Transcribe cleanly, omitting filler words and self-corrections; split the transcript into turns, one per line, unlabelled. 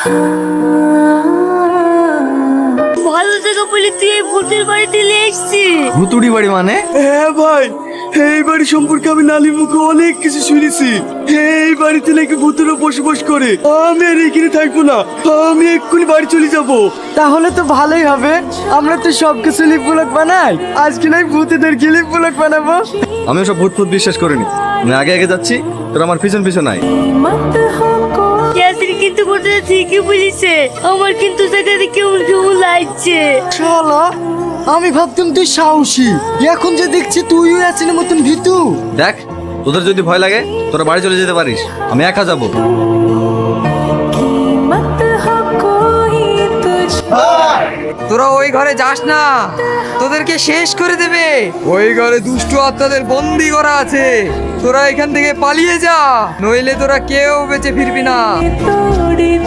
ভালো থেকে বলি তুই এই ভূতের বাড়িতে এসেছিস।
ভুতুড়ি বাড়ি মানে?
হ্যাঁ ভাই, এই বাড়ি সম্পর্কে আমি নালির মুখে অনেক কিছু শুনেছি। এই বাড়িতে নাকি ভূতেরা বসবাস করে। আমি আর এখানে থাকবো না, আমি এক্ষুনি বাড়ি চলে যাব।
তাহলে তো ভালোই হবে, আমরা তো সব কিছু লিপ ব্লক বানাই, আজকে নাই ভূতেদের কি লিপ ব্লক বানাবো।
আমি সব ভূত ফুত বিশ্বাস করিনি। আমি আগে আগে যাচ্ছি, তোর আমার পিছন পিছন নাই।
ইয়াসির কিন্তু কথাটা ঠিকই বলিছে, আমার কিন্তু সেখানে কেমন কেমন লাগছে।
শালা, আমি ভাবতাম তুই সাহসী, এখন যে দেখছি তুইও আছিস মতন ভীতু।
দেখ, তোদের যদি ভয় লাগে তোরা বাড়ি চলে যেতে পারিস, আমি একা যাবো।
তোরা ওই ঘরে যাস না, তোদেরকে শেষ করে দেবে। ওই ঘরে দুষ্টু আত্মাদের বন্দি করা আছে। তোরা এখান থেকে পালিয়ে যা, নইলে তোরা কেউ বেঁচে ফিরবি না।